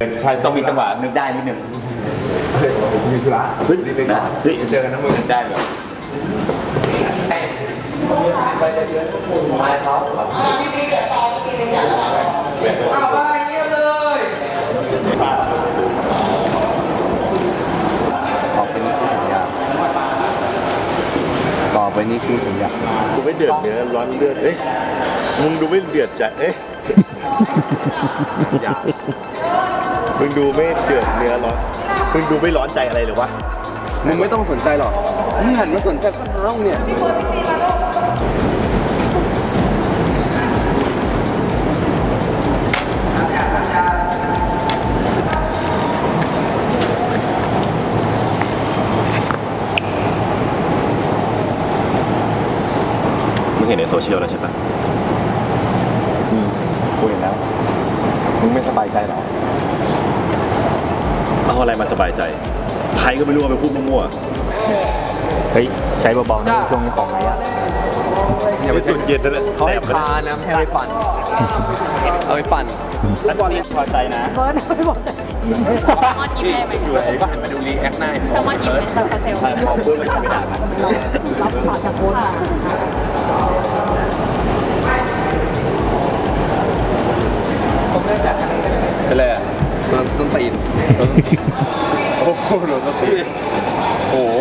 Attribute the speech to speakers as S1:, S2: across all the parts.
S1: ใช่ต้องมีจังหวะนึกได้นิดนึง
S2: มีธุระเฮ้ยรีบไปก่อนเจอกันนะมึง
S1: ได้เลย
S2: ไปเดือนมาเขาเอาไปเงียบเลยต่อไปนี้คือสัญญากูไม่เดือดเนื้อร้อนเลือดเอ้ยมึงดูไม่เดือดใจเอ้ยมึงดูไม่เดือดเนื้อร้อนมึงดูไม่ร้อนใจอะไรหรือวะมึงไม่ต้องสนใจหรอกมึงหันมาสนใจข้างนอกเนี่ย
S1: มึงเห็นในโซเชียลแล้วใช่ปะกูเห็นแล้วมึงไม่สบายใจหรอเอาอะไรมาสบายใจใครก็ไม่รู้ว่าไปพูดมั่วๆเฮ้ยใช้เบาๆนะช่วงนี้ของไหนอะอย่าไปสุดเย็นนะ
S2: เขาให้พานะไม่ให้ไปปั่นเอาไปปั่น
S1: แล้วบอลพอใจนะ
S3: เบิร์ดไม่บอกเลยมอนยิ้มได้ไหม
S2: สวยก็หันมาดูรีแอคหน้า
S3: แต่มอนยิ้มเป็นซาเซล
S1: ใช่พอเพื่อนมันไม่ได้นะ
S3: รับผ่านจากโค้ชมา
S2: เป็นไรอ่ะต้นตีนโอ้โหโดนต้นตีนโอ้โห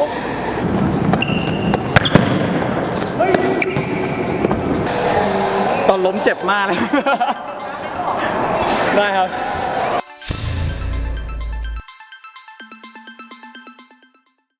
S1: ตอนล้มเจ็บมากเลยได้ครับ